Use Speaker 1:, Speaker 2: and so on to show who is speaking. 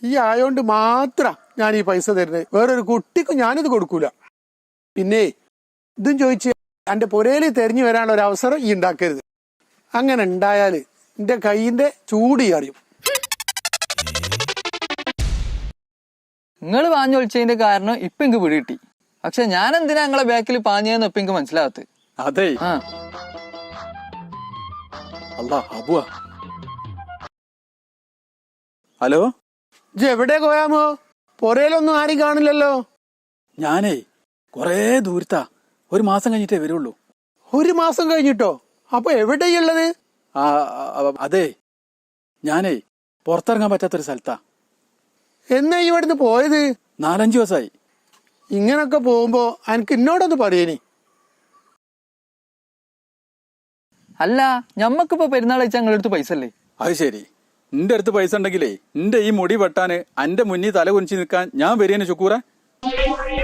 Speaker 1: ഈ ആയോണ്ട് മാത്രം ഞാൻ ഈ പൈസ തരുന്നത്. വേറൊരു കുട്ടിക്കും ഞാനിത് കൊടുക്കൂല. പിന്നെ ഇതും ചോദിച്ച് എന്റെ പുരയിൽ തെരഞ്ഞു വരാനുള്ള ഒരു അവസരം ഈ ഉണ്ടാക്കരുത്. അങ്ങനെ ഉണ്ടായാല് എന്റെ കൈയിന്റെ ചൂട് അറിയും.
Speaker 2: നിങ്ങൾ പാഞ്ഞൊളിച്ചതിന്റെ കാരണം ഇപ്പൊ എനിക്ക് പിടികിട്ടി. പക്ഷെ ഞാൻ എന്തിനാ നിങ്ങളെ ബാക്കിൽ പാഞ്ഞതെന്ന് ഇപ്പൊ എനിക്ക് മനസ്സിലാകത്ത്.
Speaker 3: അതെ അല്ലാ അബുവാ. ഹലോ,
Speaker 1: ഇജ്ജ് എവിടെ പോയാമോ? പുരയിലൊന്നും ആരും കാണില്ലല്ലോ.
Speaker 3: ഞാനേ കൊറേ ദൂരത്താ, ഒരു മാസം കഴിഞ്ഞിട്ടേ വരുള്ളൂ.
Speaker 1: ഒരു മാസം കഴിഞ്ഞിട്ടോ? അപ്പൊ എവിടെയുള്ളത്?
Speaker 3: അതെ, ഞാനേ പുറത്തിറങ്ങാൻ പറ്റാത്തൊരു സ്ഥലത്താ.
Speaker 1: എന്നാ ഇവിടുന്ന് പോയത്?
Speaker 3: 4-5 ദിവസമായി.
Speaker 1: ഇങ്ങനൊക്കെ പോകുമ്പോ എനിക്ക് എന്നോടൊന്ന് പറയനി.
Speaker 2: അല്ല, ഞമ്മക്കിപ്പോ പെരുന്നാൾ വെച്ചാൽ നിങ്ങളുടെ അടുത്ത് പൈസ അല്ലേ?
Speaker 3: അത് ശരി, നിന്റെ അടുത്ത് പൈസ ഉണ്ടെങ്കിലേ നിന്റെ ഈ മുടി വെട്ടാന് എന്റെ മുന്നിൽ തല കുനിച്ച് നിൽക്കാൻ ഞാൻ വരികയാണ് ഷുക്കൂറ.